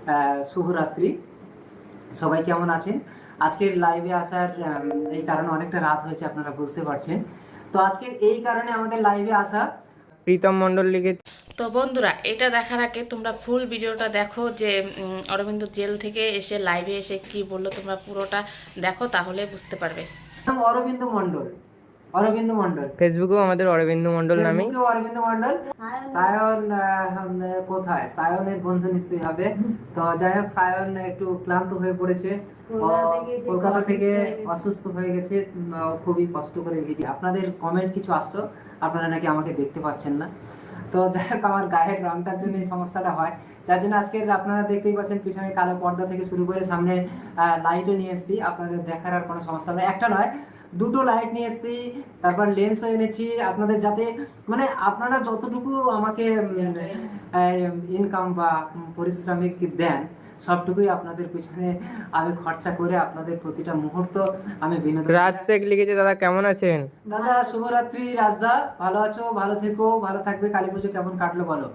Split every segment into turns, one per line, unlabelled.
শুভরাত্রি। সবাই কেমন আছেন? আজকের লাইভে আসার এই কারণে অনেকটা রাত হয়েছে, আপনারা বুঝতে পারছেন। তো আজকের এই কারণে আমাদের লাইভে আসা
প্রীতম মণ্ডল লিখেছে।
তো বন্ধুরা, এটা দেখার আগে তোমরা ফুল ভিডিওটা দেখো, যে অরবিন্দ জেল থেকে এসে লাইভে এসে কি বললো, তোমরা পুরোটা দেখো, তাহলে বুঝতে পারবে।
অরবিন্দ মণ্ডল। অরবিন্দ মণ্ডল
ফেসবুকেও আমাদের অরবিন্দ মণ্ডল নামে।
ফেসবুকেও অরবিন্দ মণ্ডল। সায়ন কোথায়? সায়নের বন্ধু নিশ্চয়ই হবে। তো যাই হোক, সায়ন একটু ক্লান্ত হয়ে পড়েছে, কলকাতা থেকে অসুস্থ হয়ে গেছে। খুবই কষ্ট করে ভিডিও, আপনাদের কমেন্ট কিছু আসতো, আপনারা নাকি আমাকে দেখতে পাচ্ছেন না। তো যাই হোক, আমার গায়ের রংটার জন্য এই সমস্যাটা হয়, যার জন্য আজকে আপনারা দেখতেই পাচ্ছেন পিছনে কালো পর্দা থেকে শুরু করে সামনে লাইটও নিয়ে এসেছি। আপনাদের দেখার আর কোনো সমস্যা নেই, একটা নয় দুটো লাইট নিয়ে এসেছি, তারপর লেন্সও এনেছি আপনাদের, যাতে মানে আপনারা যতটুকু আমাকে ইনকাম বা পারিশ্রমিক দেন, সবটুকুই আপনাদের পিছনে আমি খরচা করে আপনাদের প্রতিটা মুহূর্ত আমি বিনোদন।
রাজ শেখ লিখেছে, দাদা কেমন আছেন?
দাদা শুভরাত্রি। রাজদা ভালো আছো? ভালো থেকো, ভালো থাকবে। কালী পুজো কেমন কাটলো বলো?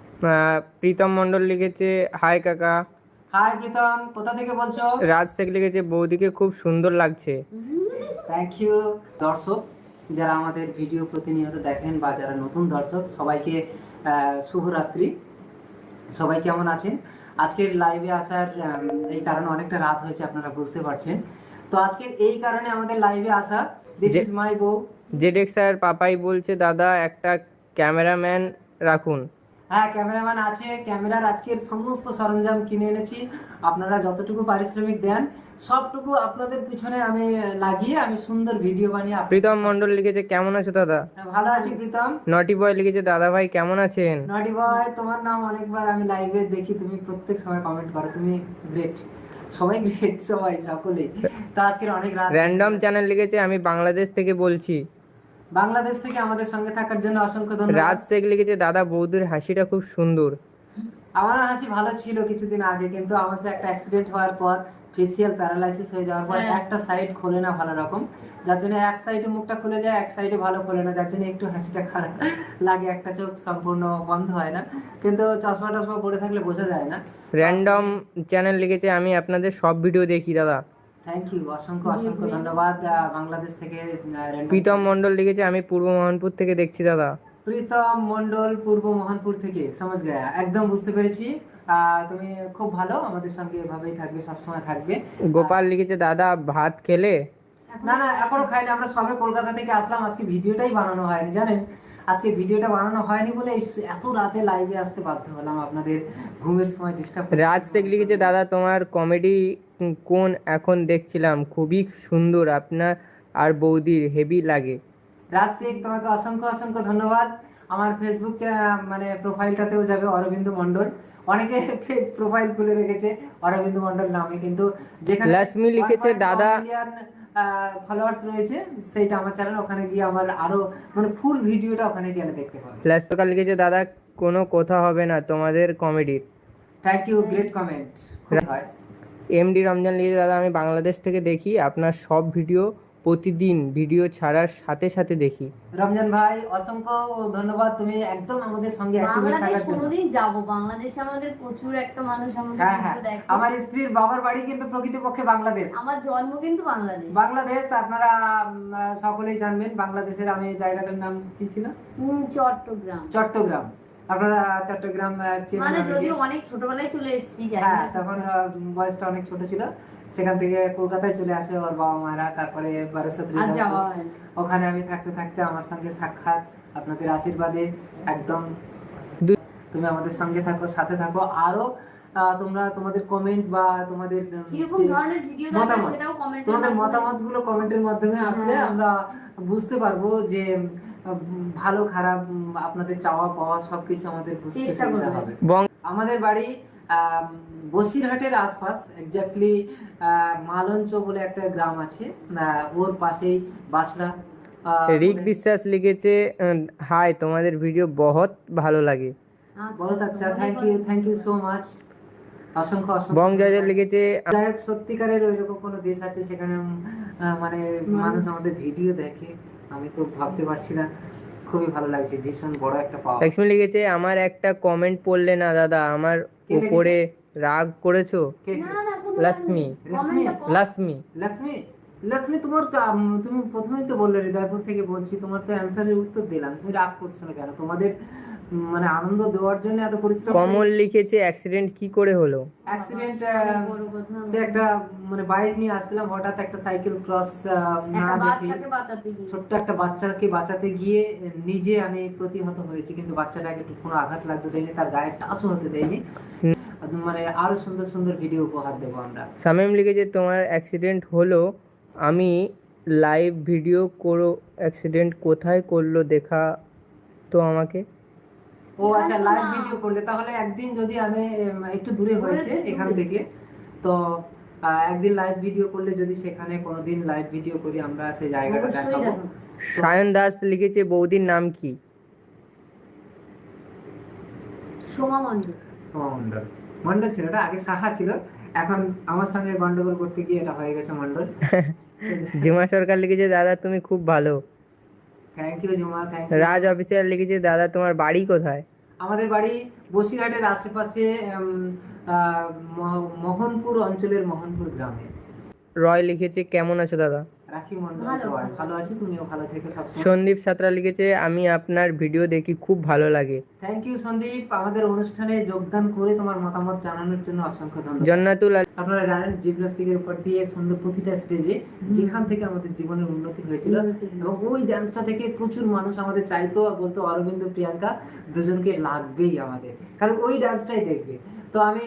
প্রীতম মণ্ডল লিখেছে হাই কাকা।
হাই প্রীতম, কোথা থেকে বলছো?
রাজ শেখ লিখেছে বৌদিকে খুব সুন্দর লাগছে।
Thank you. দর্শক যারা আমাদের ভিডিও প্রতিনিয়ত দেখেন বা যারা নতুন দর্শক, সবাইকে শুভরাত্রি। সবাই কেমন আছেন? আজকের লাইভে আসার এই কারণে অনেকটা রাত হয়েছে, আপনারা বুঝতে পারছেন। তো আজকের এই কারণে আমাদের লাইভে আসা, দিস ইজ মাই বউ।
জেডেক্স স্যার পাপাই বলছে দাদা একটা ক্যামেরাম্যান রাখুন।
হ্যাঁ, ক্যামেরাম্যান আছে, ক্যামেরার আজকের সমস্ত সরঞ্জাম কিনে এনেছি। আপনারা যতটুকু পারিশ্রমিক দেন, সবটুকু আপনাদের পিছনে আমি লাগিয়ে আমি সুন্দর ভিডিও বানিয়ে
প্রীতম মণ্ডল লিখেছে কেমন আছো দাদা?
ভালো আছি প্রীতম।
নটি বয় লিখেছে দাদা ভাই কেমন আছেন?
নটি বয়, তোমার নাম অনেকবার আমি লাইভে দেখি, তুমি প্রত্যেক সময় কমেন্ট করো, তুমি গ্রেট। সবাই গ্রেট, সবাই সকলেই। তো আজকের অনেক রাত।
র্যান্ডম চ্যানেল লিখেছে আমি বাংলাদেশ থেকে বলছি।
বাংলাদেশ থেকে আমাদের সঙ্গে থাকার জন্য অসংখ্য ধন্যবাদ।
রাজ শেখ লিখেছে দাদা বৌদির হাসিটা খুব সুন্দর।
আমার হাসি ভালো ছিল কিছুদিন আগে, কিন্তু আমার সাথে একটা অ্যাক্সিডেন্ট হওয়ার পর ফেসিয়াল প্যারালাইসিস হয়ে যাওয়ার পর একটা সাইড খোলে না ভালো রকম, যার জন্য এক সাইডে মুখটা খুলে যায়, এক সাইডে ভালো খোলে না, যার জন্য একটু হাসিটা খারাপ লাগে, একটা চোখ সম্পূর্ণ বন্ধ হয় না, কিন্তু চশমা টশমা পরে থাকলে বোঝা যায় না।
র্যান্ডম চ্যানেল লিখেছে আমি আপনাদের সব ভিডিও দেখি দাদা।
থ্যাংক ইউ, অসংখ্য অসংখ্য ধন্যবাদ। বাংলাদেশ থেকে
প্রীতম মণ্ডল লিখেছে আমি পূর্ব মোহনপুর থেকে দেখছি দাদা।
প্রীতম মণ্ডল পূর্ব মোহনপুর থেকে, সমাজ গায়া, একদম বুঝতে পেরেছি। তুমি খুব ভালো, আমাদের সঙ্গে এভাবেই থাকবে, সবসময় থাকবে।
গোপাল লিখেছে দাদা ভাত খেলে?
না না, এখনো খাইনি, আমরা সবে কলকাতা থেকে আসলাম, আজকে ভিডিওটাই বানানো হয়নি, জানেন। আজকে ভিডিওটা বানানো হয়নি বলে এত রাতে লাইভে আসতে বাধ্য হলাম, আপনাদের ঘুমের সময় ডিস্টার্ব।
রাজ শেখ লিখেছে দাদা তোমার কমেডি কোন এখন দেখছিলাম খুবই সুন্দর, আপনার আর বৌদির হেভি লাগে।
রাজ শেখ, তোমাকে অসংখ্য অসংখ্য ধন্যবাদ। আমার ফেসবুক মানে প্রোফাইলটাতেও যাবে অরবিন্দ মণ্ডল। অনেকে ফেক প্রোফাইল খুলে রেখেছে অরবিন্দ মণ্ডল নামে, কিন্তু যেখানে
লক্ষ্মী লিখেছে দাদা
ফলোয়ার্স রয়েছে, সেইটা আমার চ্যানেল, ওখানে গিয়ে আমার আরো মানে ফুল ভিডিওটা ওখানে গেলে দেখতে পাবে।
লাস্টকা লিখেছে দাদা কোনো কথা হবে না তোমাদের কমেডির।
Thank you, great comment. হয়
এমডি রমজান লিখেছে দাদা আমি বাংলাদেশ থেকে দেখি আপনার সব ভিডিও, প্রতিদিন ভিডিও ছাড়ার সাথে সাথে দেখি।
রমজান ভাই, অসংখ্য ধন্যবাদ, তুমি একদম আমাদের সঙ্গে অ্যাক্টিভেট থাকার জন্য।
কোনোদিন যাব বাংলাদেশে, আমাদের প্রচুর একটা মানুষ আমাদের
হ্যাঁ,
দেখে।
আমার স্ত্রীর বাবার বাড়ি কিন্তু প্রকৃতপক্ষে বাংলাদেশ,
আমার জন্ম কিন্তু বাংলাদেশ।
বাংলাদেশ আপনারা সকলেই জানবেন। বাংলাদেশের আমি জায়গাটার নাম কি ছিল?
চট্টগ্রাম।
চট্টগ্রাম। আপনারা চট্টগ্রাম
মানে যদিও অনেক ছোটবেলায় চলে এসেছি,
হ্যাঁ, তখন বয়সটা অনেক ছোট ছিল। সেখান থেকে কলকাতায় চলে আসে ওর বাবা মারা, তারপরে ওখানে আমি থাকতে থাকতে আমার সঙ্গে সাক্ষাৎ, আপনাদের আশীর্বাদে একদম। তুমি আমাদের সঙ্গে থাকো, সাথে থাকো, আরো তোমরা তোমাদের কমেন্ট বা তোমাদের মতামত, তোমাদের মতামত গুলো কমেন্টের মাধ্যমে আসলে আমরা বুঝতে পারবো যে ভালো খারাপ আপনাদের চাওয়া পাওয়া সবকিছু আমাদের বুঝতে সুবিধা হবে। আমাদের বাড়ি বসিরহাটের আশপাশ, এক্স্যাক্টলি মালঞ্চ বলে একটা গ্রাম আছে, ওর পাশেই বাসড়া।
রিক বিশ্বাস লিখেছে হাই তোমাদের ভিডিও বহুত ভালো লাগে।
বহুত আচ্ছা, থ্যাংক ইউ সো মাচ, অসংখ্য অসংখ্য।
বং জয় লিখেছে
যাই হোক, সত্যিকারের ওইরকম কোনো দেশ আছে সেখানে মানে মানুষ আমাদের ভিডিও দেখে, আমি তো ভাবতে পারছি না, খুবই ভালো লাগছে, ভীষণ বড় একটা পাওয়া।
লক্ষ্মী লিখেছে আমার একটা কমেন্ট পড়লে না দাদা, আমার উপরে রাগ করেছো?
কে
না না কোনো
লক্ষ্মী।
রেশমি?
লক্ষ্মী।
লক্ষ্মী? লক্ষ্মী তোমার তুমি প্রথমেই তো বললে হৃদয়পুর থেকে বলছি, তোমার তো অ্যান্সারের উত্তর দিলাম, তুমি রাগ করছো না কেন? তোমাদের মানে আনন্দ দেওয়ার জন্য এত পরিশ্রম
কমল লিখেছে অ্যাক্সিডেন্ট কি করে হলো?
অ্যাক্সিডেন্ট
বড় কথা।
সে একটা মানে বাইক নিয়ে আসছিলাম, হঠাৎ একটা সাইকেল ক্রস না
একটা
দেখি
বাচ্চাকে বাঁচাতে গিয়ে
ছোট্ট একটা বাচ্চাকে বাঁচাতে গিয়ে নিজে আমি প্রতিহত হয়েছি, কিন্তু বাচ্চাটাকে একটু কোনো আঘাত লাগতে দেয়নি, তার গায়ে টাচও হতে দেয়নি। মানে আরো সুন্দর সুন্দর ভিডিও উপহার দেবো আমরা।
শামীম লিখেছে তোমার অ্যাক্সিডেন্ট হলো, আমি লাইভ ভিডিও করো, অ্যাক্সিডেন্ট কোথায় করলো দেখা তো আমাকে।
ও আচ্ছা, লাইভ ভিডিও করলে তাহলে একদিন যদি আমি একটু দূরে হয়েছে এখান থেকে, তো একদিন লাইভ ভিডিও করলে যদি সেখানে কোনোদিন লাইভ ভিডিও করি আমরা সেই জায়গাটা
অবশ্যই
দেখাবো।
দেখাবো।
সায়ন দাস লিখেছে বৌদির নাম কি?
সোমা মন্ডল।
সোমা মন্ডল। মন্ডল ছিল, ওটা আগে সাহা ছিল, এখন আমার সঙ্গে গন্ডগোল করতে গিয়ে এটা হয়ে গেছে মন্ডল।
জিমা সরকার লিখেছে দাদা তুমি খুব ভালো।
Thank you Juma, thank you.
Raj official লিখেছে দাদা তোমার বাড়ি কোথায়?
আমাদের বাড়ি বসিরহাটের আশেপাশে মোহনপুর অঞ্চলের মোহনপুর গ্রামে।
রয় লিখেছে কেমন আছো দাদা?
রাখি মন্ডল
ভালো,
রয়,
ভালো।
ভালো আছি, তুমিও ভালো থেকো সবসময়।
সন্দীপ সাঁতরা লিখেছে আমি আপনার ভিডিও দেখি খুব ভালো লাগে।
থ্যাংক ইউ সন্দীপ, আমাদের অনুষ্ঠানে যোগদান করে তোমার মতামত জানানোর জন্য অসংখ্য ধন্যবাদ।
জন্নাতুল
আপনারা জানেন জিমন্যাস্টিকের উপর দিয়ে সুন্দর প্রতিটা স্টেজে যেখান থেকে আমাদের জীবনের উন্নতি হয়েছিল, এবং ওই ডান্সটা থেকে প্রচুর মানুষ আমাদের চাইতো, বলতো অরবিন্দ প্রিয়াঙ্কা দুজনকে লাগবেই আমাদের, কারণ ওই ডান্সটাই দেখবে। তো আমি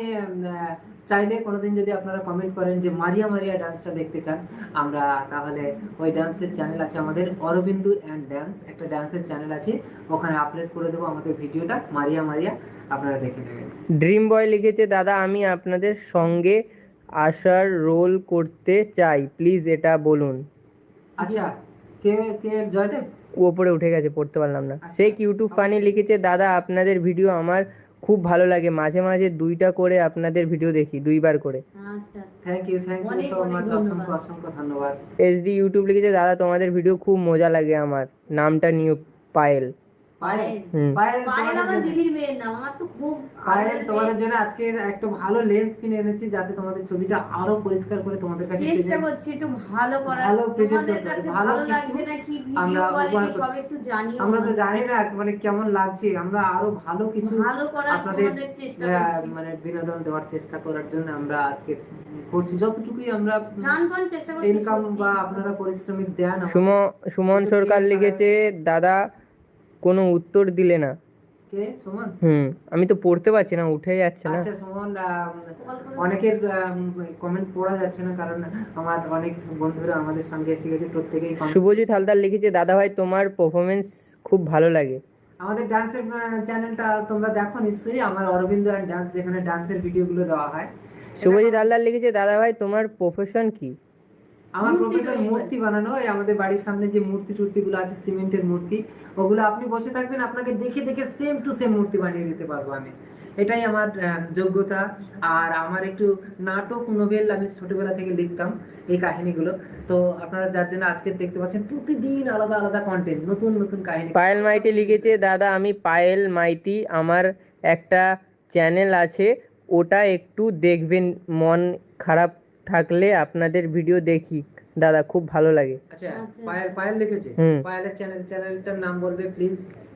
চাইলে কোনোদিন যদি আপনারা কমেন্ট করেন যে মারিয়া মারিয়া ডান্সটা দেখতে চান, আমরা তাহলে ওই ডান্সের চ্যানেল আছে আমাদের, অরবিন্দু অ্যান্ড ড্যান্স একটা ডান্সের চ্যানেল আছে, ওখানে আপলোড করে দেবো আমাদের ভিডিওটা মারিয়া মারিয়া, আপনারা দেখে নেবেন।
ড্রিম বয় লিখেছে দাদা আমি আপনাদের সঙ্গে আসার রোল করতে চাই, প্লিজ এটা বলুন।
আচ্ছা, কে কে জয়দেব?
ও ওপরে উঠে গেছে, পড়তে পারলাম না। শেখ ইউটিউব ফানি লিখেছে দাদা আপনাদের ভিডিও আমার খুব ভালো লাগে, মাঝে মাঝে 2টা করে আপনাদের ভিডিও দেখি, 2বার করে।
আচ্ছা আচ্ছা।
থ্যাংক ইউ
অনেক
সো
অনেক
মাচ,
ধন্যবাদ।
অসংখ্য অসংখ্য ধন্যবাদ।
এসডি ইউটিউব লিখেছে দাদা তোমাদের ভিডিও খুব মজা লাগে আমার, নামটা নিউ পায়েল।
পায়েল,
হুম।
পায়েল
পায়েল
তোমাদের
আমার
জন্য-
দিদির মেয়ের নাম, আমার তো খুব
পায়েল
আদরের
তোমাদের
মেয়ে।
জন্য আজকের একটা ভালো লেন্স কিনে এনেছি, যাতে তোমাদের ছবিটা আরো পরিষ্কার করে তোমাদের কাছে
চেষ্টা
present-
করছি একটু ভালো করার,
ভালো present
তোমাদের
করতে,
কাছে
ভালো
ভালো
কিছু
লাগছে না কি ভিডিও
আমরা
কোয়ালিটি
উপহার করতে-
সব একটু জানিও।
আমরা তো জানি না মানে কেমন লাগছে, আমরা আরো ভালো কিছু
ভালো করার
আপনাদের
তোমাদের চেষ্টা করছি।
মানে বিনোদন দেওয়ার চেষ্টা করার জন্য আমরা আজকে করছি, যতটুকুই আমরা
প্রাণপণ চেষ্টা করছি
ইনকাম
সত্যি।
বা আপনারা পরিশ্রমিক দেন আমাদের।
সুমন
কিন্তু
সরকার
দিয়ে
লিখেছে দাদা কোনো উত্তর দিলে না।
কে সুমন?
আমি তো পড়তে পারছি না, উঠে যাচ্ছে না।
আচ্ছা সুমন,
কল করে
অনেকের কমেন্ট পড়া যাচ্ছে না, কারণ আমার অনেক বন্ধুরা আমাদের সঙ্গে এসে গেছে, প্রত্যেকেই comment-
শুভজিৎ হালদার লিখেছে দাদা ভাই তোমার পারফরমেন্স খুব ভালো লাগে।
আমাদের ডান্সের চ্যানেলটা তোমরা দেখো নিশ্চয়ই, আমার অরবিন্দ অ্যান্ড ডান্স, যেখানে ডান্সের ভিডিওগুলো দেওয়া হয়।
শুভজিৎ হালদার লিখেছে দাদা ভাই তোমার প্রফেশন কি?
আমার
মূর্তি
প্রফেশন
তৈরি
মূর্তি বানানো, এই আমাদের বাড়ির সামনে যে মূর্তি টুর্তিগুলো আছে সিমেন্টের মূর্তি, ওগুলো আপনি বসে থাকবেন, আপনাকে দেখে দেখে সেম টু সেম মূর্তি বানিয়ে দিতে পারবো আমি, এটাই আমার যোগ্যতা। আর আমার একটু নাটক নোবেল আমি ছোটবেলা থেকে লিখতাম এই কাহিনীগুলো, তো আপনারা যার জন্য আজকে দেখতে পাচ্ছেন প্রতিদিন আলাদা আলাদা কন্টেন্ট, নতুন নতুন কাহিনী।
পায়েল মাইতি লিখেছে দাদা আমি পায়েল মাইতি, আমার একটা চ্যানেল আছে ওটা একটু দেখবেন, মন খারাপ থাকলে আপনাদের ভিডিও দেখি দাদা খুব ভালো লাগে।
আচ্ছা,
আচ্ছা।
পায়েল লিখেছে,
হুম।
পায়েলের চ্যানেলটার নাম বলবে প্লিজ।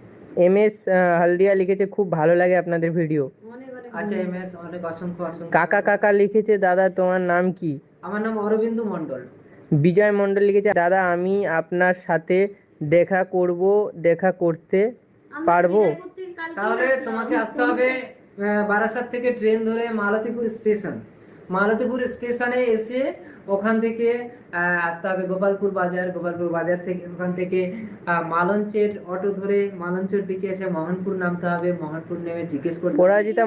MS হালদিয়া লিখেছে খুব ভালো লাগে আপনাদের ভিডিও।
অনেক অনেক
আচ্ছা MS, অনেক অসংখ্য অসংখ্য।
কাকা লিখেছে দাদা তোমার নাম কি?
আমার নাম অরবিন্দু মণ্ডল।
বিজয় মণ্ডল লিখেছে দাদা আমি আপনার সাথে দেখা করতে
আমরা
পারবো?
বিদায় করতে কালকে
তাহলে
আসলাম।
তোমাকে আসতে হবে বারাসাত থেকে ট্রেন ধরে মালতীপুর স্টেশন, মালতীপুর স্টেশনে এসে ওখান থেকে আসতে হবে গোপালপুর বাজার থেকে, ওখান থেকে মালঞ্চের অটো ধরে মালঞ্চের দিকে এসে মোহনপুর নামতে হবে, মোহনপুর নেমে জিজ্ঞেস করতে হবে।
পরাজিতা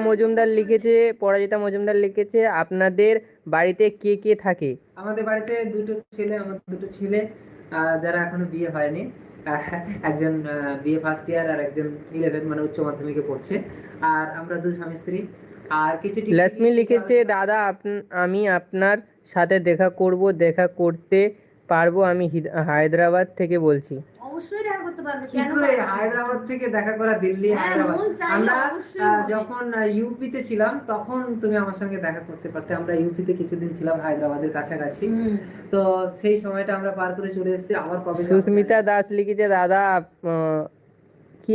মজুমদার লিখেছে আপনাদের বাড়িতে কে কে থাকে?
আমাদের বাড়িতে আমার দুটো ছেলে যারা এখনো বিয়ে হয়নি, একজন বিয়ে ফার্স্ট ইয়ার আর একজন 11 মানে উচ্চ মাধ্যমিকে পড়ছে, আর আমরা দুই স্বামী স্ত্রী। আর কিছু
লক্ষ্মী লিখেছে দাদা আমি আপনার সাথে দেখা করতে পারবো, আমি হায়দ্রাবাদ থেকে বলছি।
অবশ্যই দেখা করতে পারবে,
কি
কেন
করে
পারবে না?
হায়দ্রাবাদ থেকে দেখা করা, দিল্লি
হ্যাঁ,
হায়দ্রাবাদ।
মন চাইলে
আমরা
অবশ্যই হবে।
যখন ইউপিতে ছিলাম তখন তুমি আমার সঙ্গে দেখা করতে পারতে। আমরা ইউপিতে কিছুদিন ছিলাম হায়দ্রাবাদের কাছাকাছি, তো সেই সময়টা আমরা পার করে চলে এসেছি। আবার কবে যাবো
সুস্মিতা
জানি না।
দাস লিখেছে দাদা কি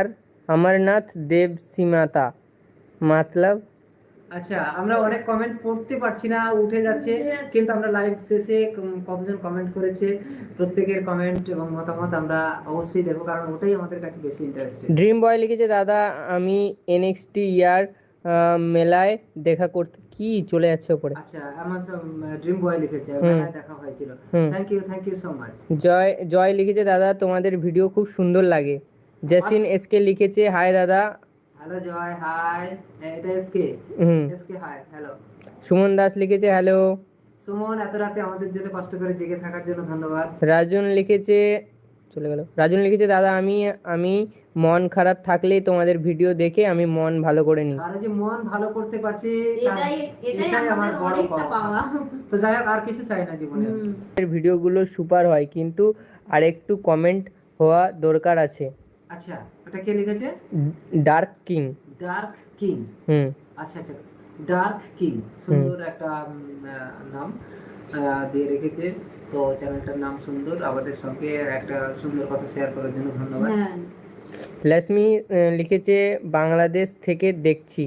অমরনাথ দেব সীমাতা মতলব।
আচ্ছা, আমরা অনেক কমেন্ট পড়তে পারছি না, উঠে যাচ্ছে, কিন্তু আমরা লাইভ শেষে কতজন কমেন্ট করেছে প্রত্যেকের কমেন্ট এবং মতামত আমরা অবশ্যই দেখো, কারণ ওটাই আমাদের কাছে বেশি ইন্টারেস্টেড।
ড্রিম বয় লিখেছে দাদা আমি এনএক্সটি ইয়ার মেলায় দেখা করতে কি চলে যাচ্ছে ওপরে।
আচ্ছা, আমার ড্রিম বয় লিখেছে
হুম।
মেলায় দেখা হয়েছিল।
হুম।
Thank you so much.
Joy Joy লিখেছে দাদা তোমাদের ভিডিও খুব সুন্দর লাগে। জেসিন এসকে লিখেছে হাই দাদা।
Hello Joy, hi. এটা এসকে।
হুম।
SK hi, hello.
Suman Das লিখেছে হ্যালো।
সুমন, এত রাতে আমাদের জন্য কষ্ট করে জেগে থাকার জন্য ধন্যবাদ।
রাজন লিখেছে চলে গেল। রাজন লিখেছে দাদা আমি মন খারাপ থাকলে তোমাদের ভিডিও দেখে আমি মন ভালো করে নিই।
আর এই যে মন ভালো করতে পারছি,
এটাই
আমার
আমাদের
বড়
অনেকটা পাওয়া।
তো যাই হোক, আর কিছু চাই না জীবনে।
ভিডিওগুলো সুপার হয় কিন্তু আরেকটু কমেন্ট হওয়া দরকার আছে।
আচ্ছা, ওটা কে লিখেছে?
Dark king.
Dark king.
হুম।
আচ্ছা আচ্ছা, ডার্ক কিং, সুন্দর একটা নাম দিয়ে রেখেছে। তো চ্যানেলটার নাম সুন্দর, আমাদের সঙ্গে একটা সুন্দর কথা শেয়ার করার জন্য ধন্যবাদ।
হ্যাঁ,
লক্ষ্মী লিখেছে বাংলাদেশ থেকে দেখছি।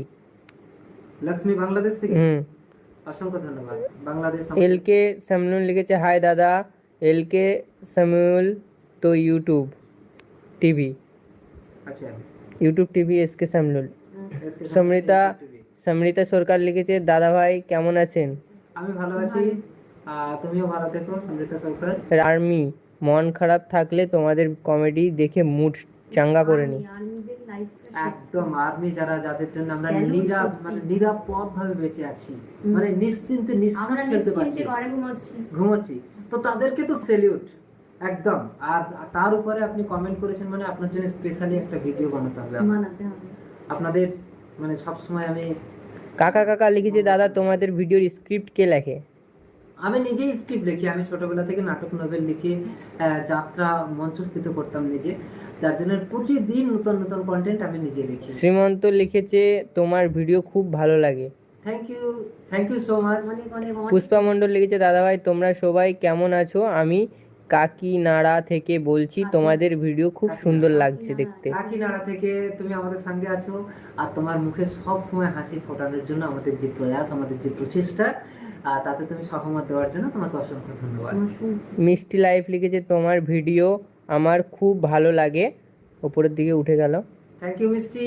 লক্ষ্মী বাংলাদেশ থেকে,
হুম।
অসংখ্য ধন্যবাদ। বাংলাদেশ
এলকে সামনুল লিখেছে হাই দাদা এলকে সামুল তো ইউটিউব টিভি।
আচ্ছা,
ইউটিউব টিভি এসকে সামনুল।
SK
Smrita
TV।
সমৃতা সরকার লিখেছে দাদা ভাই কেমন আছেন।
আমি ভালো আছি, তুমিও ভালো থেকো সমৃতা সরকার।
আর্মি মন খারাপ থাকলে তোমাদের কমেডি দেখে মুড চাঙ্গা করে নি।
আর্মিদের লাইফটা
একদম, আর্মি যাদের জন্য আমরা
Salute সত্যি।
নিরাপদ ভাবে বেঁচে আছি, মানে নিশ্চিন্তে নিঃশ্বাস
আমরা
ফেলতে পারছি,
নিশ্চিন্তে ঘরে
ঘুমাচ্ছি, তো তাদেরকে তো সেলিউট একদম। আর তার উপরে আপনি কমেন্ট করেছেন মানে আপনার জন্য স্পেশালি একটা ভিডিও বানাতে হবে
বানাতে হবে।
আপনাদের, মানে সবসময় আমি
কাকা লিখেছে দাদা তোমাদের ভিডিওর স্ক্রিপ্ট কে লেখে।
আমি নিজেই স্ক্রিপ্ট লিখি। আমি ছোটবেলা থেকে নাটক নোবেল লিখে যাত্রা মঞ্চস্থিত করতাম নিজে, যার জন্য প্রতিদিন নতুন নতুন কন্টেন্ট আমি নিজে লিখি।
শ্রীমন্ত লিখেছে তোমার ভিডিও খুব ভালো লাগে।
Thank you so much.
অনেক অনেক অনেক
পুষ্পা মণ্ডল লিখেছে দাদা ভাই তোমরা সবাই কেমন আছো, আমি কাকিনাড়া থেকে বলছি তোমাদের ভিডিও খুব সুন্দর লাগছে দেখতে।
কাকিনাড়া থেকে তুমি আমাদের সঙ্গে আছো, আর তোমার মুখে সব সময় হাসি ফোটানোর জন্য আমাদের যে প্রয়াস, আমাদের যে প্রচেষ্টা, তাতে তুমি সহমত দেওয়ার জন্য তোমাকে অসংখ্য ধন্যবাদ।
মিষ্টি লাইফ লিখেছে তোমার ভিডিও আমার খুব ভালো লাগে, ওপরের দিকে উঠে গেল।
থ্যাংক ইউ মিষ্টি।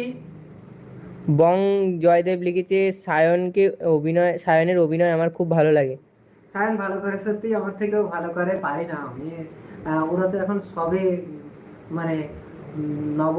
বং জয়দেব লিখেছে সায়নের অভিনয় আমার খুব ভালো লাগে।
সায়ন ভালো করে, সত্যি আমার থেকেও ভালো করে, পারি না আমি। ওরা তো এখন সবে মানে নব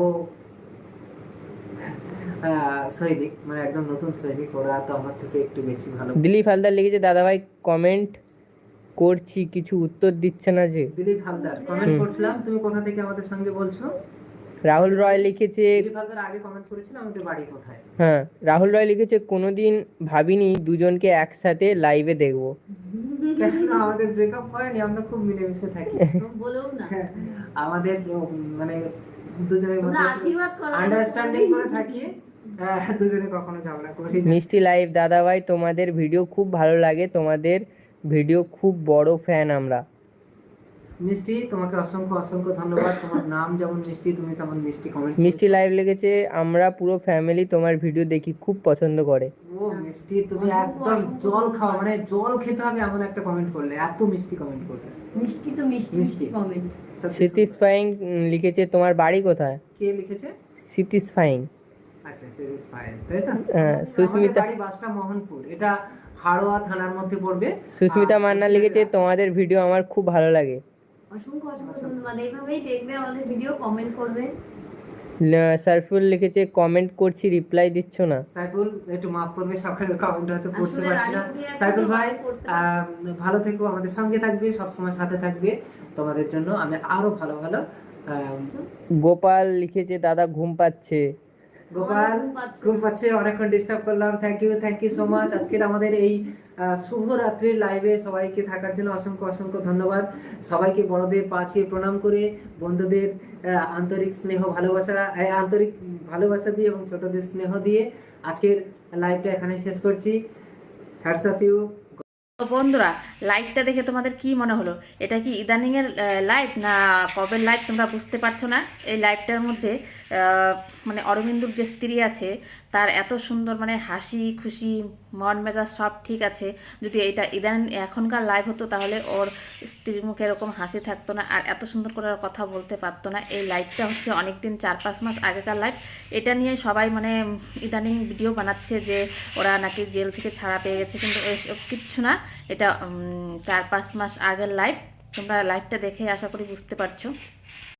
সৈনিক, মানে একদম নতুন সৈনিক, ওরা তো আমার থেকে একটু বেশি ভালো।
দিলীপ হালদার লিখেছে দাদা ভাই কমেন্ট করছি কিছু উত্তর দিচ্ছে না যে।
দিলীপ হালদার কমেন্ট করলাম, তুমি কোথা থেকে আমাদের সঙ্গে বলছো?
রাহুল রয় লিখেছে
দিলীপ হালদার আগে কমেন্ট করেছিল আমাদের বাড়ি কোথায়।
হ্যাঁ রাহুল রয় লিখেছে কোনোদিন ভাবিনি দুজনকে একসাথে লাইভে দেখবো।
কেন আমাদের ব্রেকআপ হয়নি, আমরা খুব মিলেমিশে থাকি।
বলেও না,
আমাদের মানে দুজনের
তোমরা
মধ্যে
আশীর্বাদ করো,
আন্ডারস্ট্যান্ডিং করে থাকি, দুজনে কখনো ঝগড়া করি না।
মিষ্টি লাইভ দাদা ভাই তোমাদের ভিডিও খুব ভালো লাগে, তোমাদের ভিডিও খুব বড় ফ্যান আমরা।
মিষ্টি, তোমাকে অসংখ্য অসংখ্য ধন্যবাদ। তোমার নাম যেমন মিষ্টি, তুমি তেমন মিষ্টি কমেন্ট।
মিষ্টি লাইভ লিখেছে আমরা পুরো ফ্যামিলি তোমার ভিডিও দেখি, খুব পছন্দ করে।
ও মিষ্টি, তুমি একদম জল খাওয়া, মানে জল খেতে হবে এমন একটা কমেন্ট করলে, এত মিষ্টি কমেন্ট করলে।
মিষ্টি তো মিষ্টি মিষ্টি কমেন্ট।
স্যাটিসফাইং লিখেছে তোমার বাড়ি কোথায়।
কে লিখেছে?
স্যাটিসফাইং।
আচ্ছা, স্যাটিসফাইং, তাই তো?
সুস্মিতা
বাড়ি বাসটা মোহনপুর, এটা হাড়োয়া থানার মধ্যে পড়বে।
সুস্মিতা মান্না লিখেছে তোমাদের ভিডিও আমার খুব ভালো লাগে।
অসংখ্য অসংখ্য ধন্যবাদ। এইভাবেই দেখবে আমাদের ভিডিও, কমেন্ট করবে।
সারফুল লিখেছে কমেন্ট করছি রিপ্লাই দিচ্ছ না।
সাইফুল একটু মাফ করবে, সকালের কমেন্ট হয়তো পড়তে
আসলে
পারছি না।
রানী দিয়ে
সাইফুল
আসলে
ভাই
পড়তে পারছি
ভালো থেকো, আমাদের সঙ্গে থাকবে, সবসময় সাথে থাকবে। তোমাদের জন্য আমি আরো ভালো ভালো
গোপাল লিখেছে দাদা ঘুম পাচ্ছে।
গোপাল ঘুম পাচ্ছে, অনেকক্ষণ ডিস্টার্ব করলাম। Thank you so much. আজকের আমাদের এই শুভরাত্রির লাইভে সবাইকে থাকার জন্য অসংখ্য অসংখ্য ধন্যবাদ। সবাইকে বড়দের পা ছুঁয়ে প্রণাম করে, বন্ধুদের আন্তরিক স্নেহ ভালোবাসা আন্তরিক ভালোবাসা দিয়ে এবং ছোটদের স্নেহ দিয়ে আজকের লাইভটা এখানে শেষ করছি। Hats off you.
তো বন্ধুরা, লাইভটা দেখে তোমাদের কি মনে হলো? এটা কি ইদানিংয়ের লাইভ না কবের লাইভ তোমরা বুঝতে পারছো না? এই লাইভটার মধ্যে মানে অরবিন্দুর যে স্ত্রী আছে তার এত সুন্দর মানে হাসি খুশি মন মেজাজ সব ঠিক আছে। যদি এটা এখনকার লাইভ হতো তাহলে ওর স্ত্রীর মুখে এরকম হাসি থাকতো না, আর এত সুন্দর করে আর কথা বলতে পারতো না। এই লাইভটা হচ্ছে অনেক দিন 4-5 মাস আগেকার লাইভ। এটা নিয়ে সবাই মানে ইদানিং ভিডিও বানাচ্ছে যে ওরা নাকি জেল থেকে ছাড়া পেয়ে গেছে, কিন্তু এসব কিচ্ছু না। এটা 4-5 মাস আগের লাইভ। তোমরা লাইভটা দেখে আশা করি বুঝতে পারছো।